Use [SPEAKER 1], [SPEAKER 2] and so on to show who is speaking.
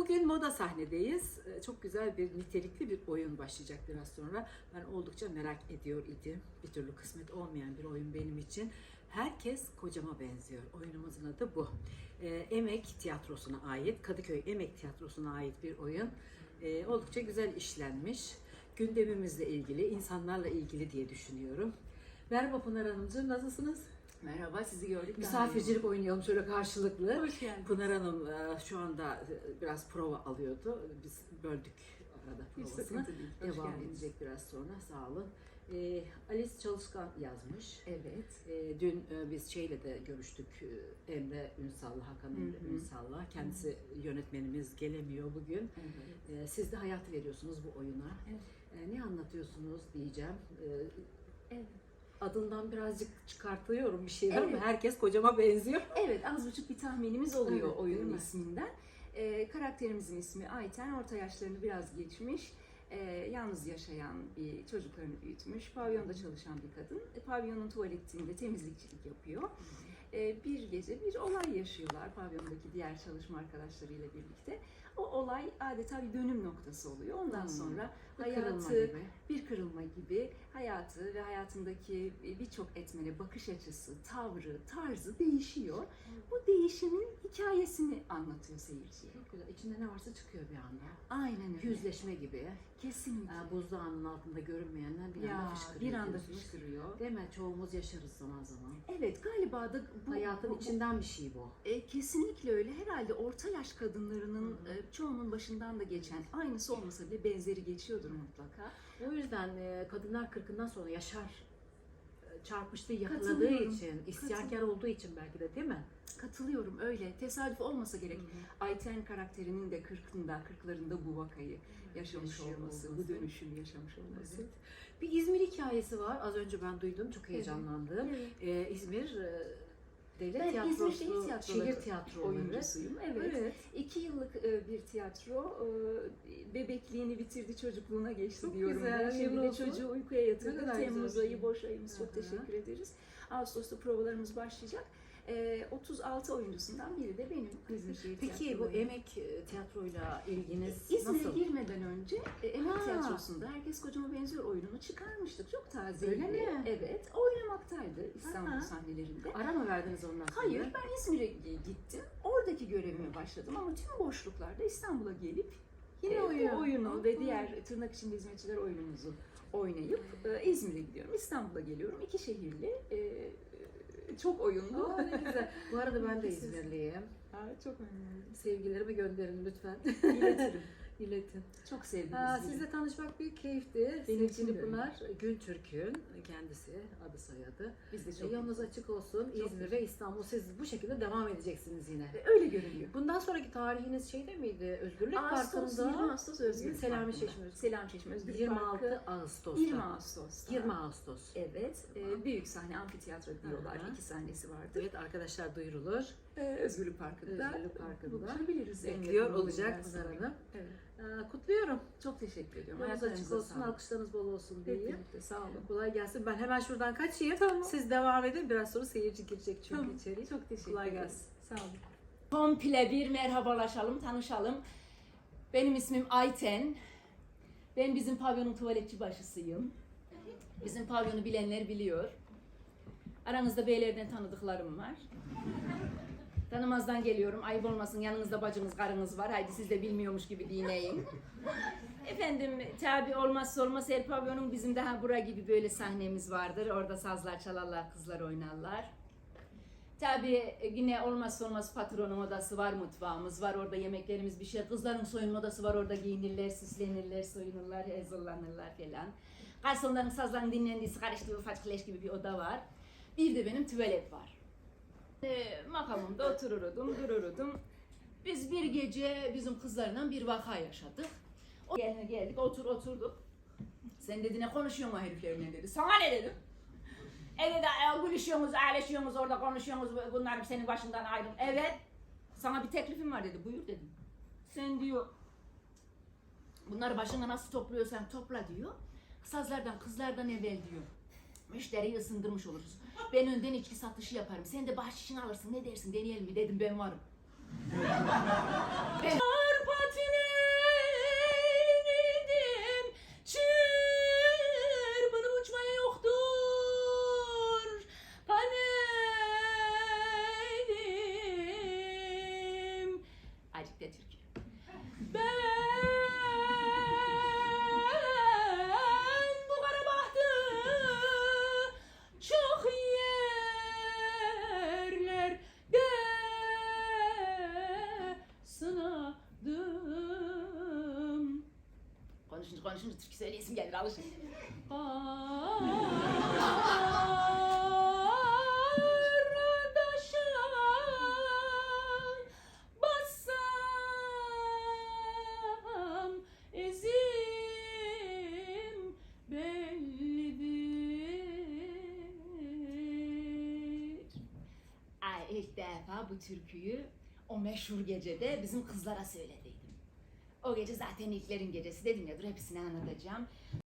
[SPEAKER 1] Bugün moda sahnedeyiz. Çok güzel bir nitelikli bir oyun başlayacak biraz sonra. Ben oldukça merak ediyor idim. Bir türlü kısmet olmayan bir oyun benim için. Herkes kocama benziyor. Oyunumuzun adı bu. Emek Tiyatrosu'na ait, Kadıköy Emek Tiyatrosu'na ait bir oyun. Oldukça güzel işlenmiş. Gündemimizle ilgili, insanlarla ilgili diye düşünüyorum. Merhaba Pınar Hanımcığım, nasılsınız?
[SPEAKER 2] Merhaba, sizi gördük.
[SPEAKER 1] Misafircilik oynayalım şöyle karşılıklı.
[SPEAKER 2] Hoş geldiniz.
[SPEAKER 1] Pınar Hanım şu anda biraz prova alıyordu. Biz böldük arada provasını.
[SPEAKER 2] sıkıntı değil. Hoş
[SPEAKER 1] Devam
[SPEAKER 2] geldiniz.
[SPEAKER 1] edecek biraz sonra. Sağ olun. Alice Çalışkan yazmış.
[SPEAKER 2] Evet.
[SPEAKER 1] Dün biz şeyle de görüştük. Emre Ünsal'la, Hakan Emre Ünsal'la. Kendisi yönetmenimiz gelemiyor bugün.
[SPEAKER 2] Evet.
[SPEAKER 1] Siz de hayat veriyorsunuz bu oyuna.
[SPEAKER 2] Evet.
[SPEAKER 1] Ne anlatıyorsunuz diyeceğim.
[SPEAKER 2] Evet.
[SPEAKER 1] Adından birazcık çıkartıyorum bir şeyler ama
[SPEAKER 2] Evet.
[SPEAKER 1] herkes kocama benziyor.
[SPEAKER 2] Evet, az buçuk bir tahminimiz oluyor
[SPEAKER 1] Evet,
[SPEAKER 2] oyunun
[SPEAKER 1] değil mi?
[SPEAKER 2] isminden. Karakterimizin ismi Ayten, orta yaşlarını biraz geçmiş. Yalnız yaşayan bir çocuklarını büyütmüş. Pavyonda çalışan bir kadın. Pavyonun tuvaletinde temizlikçilik yapıyor. Bir gece bir olay yaşıyorlar pavyondaki diğer çalışma arkadaşlarıyla birlikte. O olay adeta bir dönüm noktası oluyor. Ondan sonra bir kırılma gibi hayatı ve hayatındaki birçok etmene bakış açısı, tavrı, tarzı değişiyor. Bu değişimin hikayesini anlatıyor seyirciye.
[SPEAKER 1] Çok güzel. İçinde ne varsa çıkıyor bir anda.
[SPEAKER 2] Aynen öyle.
[SPEAKER 1] Yüzleşme gibi.
[SPEAKER 2] Kesinlikle.
[SPEAKER 1] Buzdağının altında görünmeyenler bir anda
[SPEAKER 2] Ya,
[SPEAKER 1] fışkırıyor.
[SPEAKER 2] bir anda
[SPEAKER 1] diyorsunuz.
[SPEAKER 2] fışkırıyor.
[SPEAKER 1] Değil mi? Çoğumuz yaşarız zaman zaman.
[SPEAKER 2] Evet, galiba da bu
[SPEAKER 1] Hayatın içinden bir şey bu.
[SPEAKER 2] Kesinlikle öyle. Herhalde orta yaş kadınlarının çoğunun başından da geçen, aynısı olmasa bile benzeri geçiyordur mutlaka.
[SPEAKER 1] O yüzden kadınlar 40'ından sonra yaşar çarpıştığı, yakaladığı
[SPEAKER 2] Katılıyorum.
[SPEAKER 1] için, isyankar olduğu için belki de, değil mi?
[SPEAKER 2] Katılıyorum, öyle. Tesadüf olmasa gerek. Ayten karakterinin de 40'larında bu vakayı yaşamış
[SPEAKER 1] Yaşıyor
[SPEAKER 2] olması,
[SPEAKER 1] olması.
[SPEAKER 2] bu dönüşümü yaşamış olması.
[SPEAKER 1] Evet. Bir İzmir hikayesi var. Az önce ben duydum. Çok heyecanlandım.
[SPEAKER 2] Evet.
[SPEAKER 1] İzmir Devlet
[SPEAKER 2] Ben
[SPEAKER 1] Tiyatrosu,
[SPEAKER 2] İzmir Şehir Tiyatroları
[SPEAKER 1] şehir tiyatroları.
[SPEAKER 2] oyuncusuyum. Evet. 2 yıllık bir tiyatro. Bebekliğini bitirdi, çocukluğuna geçti
[SPEAKER 1] Çok
[SPEAKER 2] diyorum
[SPEAKER 1] güzel,
[SPEAKER 2] ben. Şimdi
[SPEAKER 1] hayırlı
[SPEAKER 2] de
[SPEAKER 1] olsun.
[SPEAKER 2] çocuğu uykuya
[SPEAKER 1] Ne
[SPEAKER 2] yatırdık.
[SPEAKER 1] kadar
[SPEAKER 2] Temmuz
[SPEAKER 1] güzel bir
[SPEAKER 2] ayı
[SPEAKER 1] şey.
[SPEAKER 2] boş ayımız. Çok
[SPEAKER 1] Aha.
[SPEAKER 2] teşekkür ederiz. Ağustos'ta provalarımız başlayacak. 36 oyuncusundan biri de benim İzmir Şehir
[SPEAKER 1] Peki bu
[SPEAKER 2] Tiyatroları.
[SPEAKER 1] emek tiyatroyla ilginiz
[SPEAKER 2] İzmir'e
[SPEAKER 1] nasıl?
[SPEAKER 2] girmeden önce Emek
[SPEAKER 1] Ha.
[SPEAKER 2] Tiyatrosu'nda Herkes Kocama Benziyor oyununu çıkarmıştık. Çok tazeydi.
[SPEAKER 1] Öyle mi?
[SPEAKER 2] Evet. Oynamaktaydı İstanbul
[SPEAKER 1] Aha.
[SPEAKER 2] sahnelerinde.
[SPEAKER 1] Ara mı verdiniz ondan sonra?
[SPEAKER 2] Hayır, ben İzmir'e gittim. Oradaki görevime başladım ama tüm boşluklarda İstanbul'a gelip
[SPEAKER 1] Yine
[SPEAKER 2] bu oyunu ve diğer tırnak içinde hizmetçiler oyunumuzu oynayıp İzmir'e gidiyorum. İstanbul'a geliyorum. 2 şehirli, çok oyunlu.
[SPEAKER 1] Aa, ne güzel. Bu arada ben de
[SPEAKER 2] İkisiz.
[SPEAKER 1] İzmirliyim.
[SPEAKER 2] Çok memnunum.
[SPEAKER 1] Sevgilerimi gönderin lütfen.
[SPEAKER 2] İletirim.
[SPEAKER 1] İletin.
[SPEAKER 2] Çok sevdim İzmir'i.
[SPEAKER 1] Sizle tanışmak büyük keyifti.
[SPEAKER 2] Benim için
[SPEAKER 1] Sevgili
[SPEAKER 2] de öyle.
[SPEAKER 1] Pınar Gültürk'ün kendisi, adı soyadı.
[SPEAKER 2] Biz de çok
[SPEAKER 1] Yolunuz açık olsun.
[SPEAKER 2] Çok
[SPEAKER 1] İzmir
[SPEAKER 2] teşekkür
[SPEAKER 1] ve İstanbul. Siz bu şekilde devam edeceksiniz yine.
[SPEAKER 2] öyle görünüyor.
[SPEAKER 1] Bundan sonraki tarihiniz şeyde miydi? Özgürlük
[SPEAKER 2] Ağustos,
[SPEAKER 1] Parkı'nda.
[SPEAKER 2] 20 Ağustos Özgürlük
[SPEAKER 1] Selami
[SPEAKER 2] Parkı'nda.
[SPEAKER 1] Çeşme.
[SPEAKER 2] Selami Çeşme Özgürlük
[SPEAKER 1] 26
[SPEAKER 2] Parkı.
[SPEAKER 1] Ağustos'ta.
[SPEAKER 2] 20 Ağustos'ta.
[SPEAKER 1] 20 Ağustos.
[SPEAKER 2] Evet. Büyük sahne, amfiteyatro diyorlar.
[SPEAKER 1] Aha.
[SPEAKER 2] 2 sahnesi vardır.
[SPEAKER 1] Evet arkadaşlar, duyurulur.
[SPEAKER 2] Özgürlük Parkı'nda.
[SPEAKER 1] Özgürlük Parkı'nda.
[SPEAKER 2] Buluşabiliriz.
[SPEAKER 1] Bekliyor olacak Pınar Hanım.
[SPEAKER 2] Evet.
[SPEAKER 1] Kutluyorum.
[SPEAKER 2] Çok teşekkür ediyorum.
[SPEAKER 1] Yolunuz açık
[SPEAKER 2] Ayaklarınıza
[SPEAKER 1] olsun,
[SPEAKER 2] sağlık.
[SPEAKER 1] alkışlarınız bol olsun diye.
[SPEAKER 2] Birlikte sağ olun.
[SPEAKER 1] Kolay gelsin. Ben hemen şuradan kaçayım.
[SPEAKER 2] Tamam.
[SPEAKER 1] Siz devam edin. Biraz sonra seyirci girecek çünkü
[SPEAKER 2] Tamam.
[SPEAKER 1] içeri.
[SPEAKER 2] Çok teşekkür
[SPEAKER 1] Kolay
[SPEAKER 2] ederim.
[SPEAKER 1] gelsin.
[SPEAKER 2] Sağ olun. Komple bir merhabalaşalım, tanışalım. Benim ismim Ayten. Ben bizim pavyonun tuvaletçi başısıyım. Bizim pavyonu bilenler biliyor. Aranızda beylerden tanıdıklarım var. Tanımazdan geliyorum. Ayıp olmasın, yanınızda bacınız, karınız var. Haydi siz de bilmiyormuş gibi dinleyin. Efendim, tabi olmazsa olmaz her pavyonun bizim daha bura gibi böyle sahnemiz vardır. Orada sazlar çalarlar, kızlar oynarlar. Tabii yine olmazsa olmaz patronun odası var, mutfağımız var, orada yemeklerimiz bir şey. Kızların soyunma odası var, orada giyinirler, süslenirler, soyunurlar, hazırlanırlar falan. Garsonların sazların dinlendiği, karıştığı ufak leş gibi bir oda var. Bir de benim tuvalet var. Makamımda otururdum, dururdum. Biz bir gece bizim kızlarla bir vaka yaşadık. Geldik, oturduk. Sen dedi ne konuşuyorsun o heriflerle dedi. Sana ne dedim? Evet, gülüşüyorsunuz, ayrışıyorsunuz, orada konuşuyorsunuz, bunlar senin başından ayrıl. Evet, sana bir teklifim var dedi, buyur dedim. Sen diyor, bunları başına nasıl topluyorsan topla diyor. Sazlardan, kızlardan evvel diyor. Müşteriyi ısındırmış oluruz. Ben önden içki satışı yaparım, sen de bahşişini alırsın, ne dersin, deneyelim mi dedim, ben varım. Ben Ben bu kara bahtı çok yerlerde sınadım. Konuşunca türkü söyleyesim gelir, alışın. Kardeşim bassam ezim bellidir. Ay, ilk defa bu türküyü o meşhur gecede bizim kızlara söylediydim. O gece zaten ilklerin gecesi dedim ya, dur hepsini anlatacağım.